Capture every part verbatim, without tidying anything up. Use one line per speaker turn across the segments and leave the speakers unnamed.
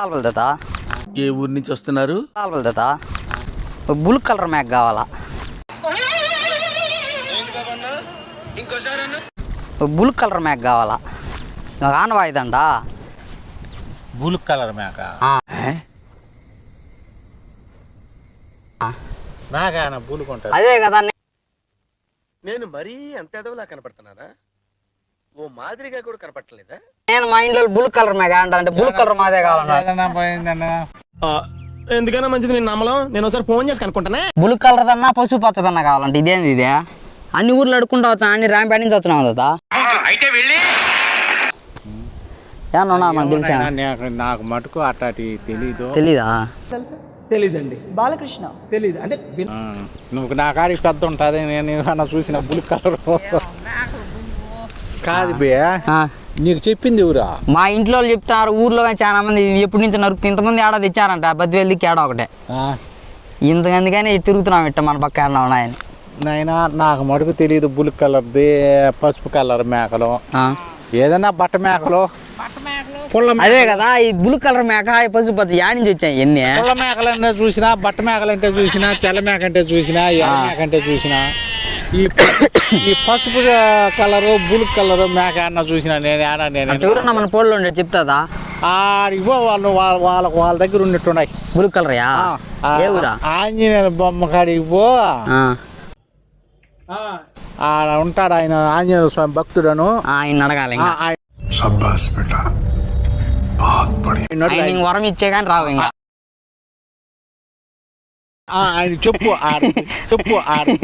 కావాలి తాత.
ఏ ఊరు నుంచి వస్తున్నారు?
కావాలి తాత. బ్లూ కలర్ మ్యాక్ కావాలా? బ్లూ కలర్ మ్యాక్ కావాలా? నాకు ఆన్ వాయిదండా.
బ్లూ కలర్ మేక మేక బూలు కొంటారు.
అదే కదా.
నేను మరీ అంత ఎదవలా కనపడుతున్నానా? ఓ మాదిరిగా కూడా కనపడలేదా?
నేను మా ఇంట్లో బ్లూ కలర్ మ్యాక్ అంటా అంటే బ్లూ కలర్ మాదే కావాలన్నా.
ఎందుకన్నా మంచిది నేను నమ్మలం. నేను ఒకసారి ఫోన్ చేసి కనుక్కుంటానే.
బ్లూ కలర్ దన్నా పసుపు పచ్చదన్నా కావాలంటే ఇదేంది ఇదే? అన్ని ఊర్లు అడుక్కుంటా వస్తా అన్ని ర్యాంప్ నుంచి వచ్చినావు కదా.
అయితే వెళ్ళి
ఏమన్నా మనకు తెలుసా?
నాకు మటుకు అట్లాంటి తెలీదు.
తెలీదా?
తెలుసు.
తెలీదండి.
బాలకృష్ణ
తెలీదు అంటే
నువ్వు నా కాడికి పెద్ద ఉంటుంది. నేను ఏమన్నా చూసిన బ్లూ కలర్ కాదు బే. నీకు చెప్పింది ఎవరా?
మా ఇంట్లో వాళ్ళు చెప్తారు. ఊర్లో చాలా మంది ఎప్పటి నుంచి నరుకు ఇంతమంది ఆడ తెచ్చారంట. బద్దివెల్లి కేడ ఒకటే ఇంతకందుకని తిరుగుతున్నాం ఇట్ట మన పక్క ఏమన్నా ఉన్నాయని.
నైనా నాకు మటుకు తెలియదు. బ్లూ కలర్ది పసుపు కలర్ మేకలు ఏదన్నా బట్ట మేకలు
అదే కదా. ఈ బ్లూ కలర్ మేక పసుపు పచ్చ యాడ్ నుంచి వచ్చాయి ఎన్ని.
పుల్ల మేకలంటే చూసినా, బట్ట మేకలంటే చూసినా, తెల్ల మేక అంటే చూసినా, ఎర్ర మేక అంటే చూసినా, ఈ ఈ పసుపు కలరు బ్లూ కలరు మేక అన్న చూసినా నేను ఆడా. నేను
ఎవరన్నా మన పోల్లో ఉండే చెప్తాదా?
ఆడిగో వాళ్ళు వాళ్ళ వాళ్ళ వాళ్ళ దగ్గర ఉన్నట్టున్నాయి.
బ్లూ కలర్ యా ఏ ఊరా?
ఆంజనేయుల బొమ్మ కాడికి పో. ఆడ ఉంటాడు ఆయన ఆంజనేయ స్వామి భక్తుడను.
ఆయన అడగాలి. వరం ఇచ్చే కానీ రావు ఇంకా.
ఆయన చెప్పు చెప్పు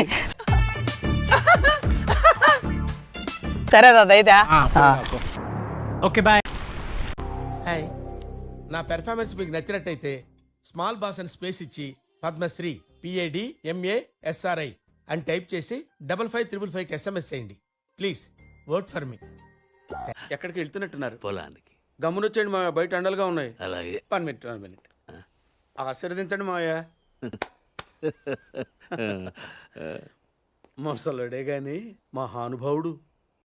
సరే దాదా అయితే.
Okay bye.
హాయ్, నా పెర్ఫార్మెన్స్ మీకు నచ్చినట్టయితే స్మాల్ బాస్ అని స్పేస్ ఇచ్చి పద్మశ్రీ పిఏడి ఎంఏ ఎస్ఆర్ఐ అని టైప్ చేసి డబల్ ఫైవ్ త్రిబుల్ ఫైవ్కి ఎస్ఎంఎస్ చేయండి ప్లీజ్. Work for me.
ఎక్కడికి వెళ్తున్నట్టున్నారు?
పొలానికి.
గమ్మునొచ్చండి మా బయట అండలుగా ఉన్నాయి.
అలాగే.
వన్ మినిట్ వన్ మినిట్ ఆశీర్వదించండి మావయ్య. మొసలుడే గాని మహానుభావుడు.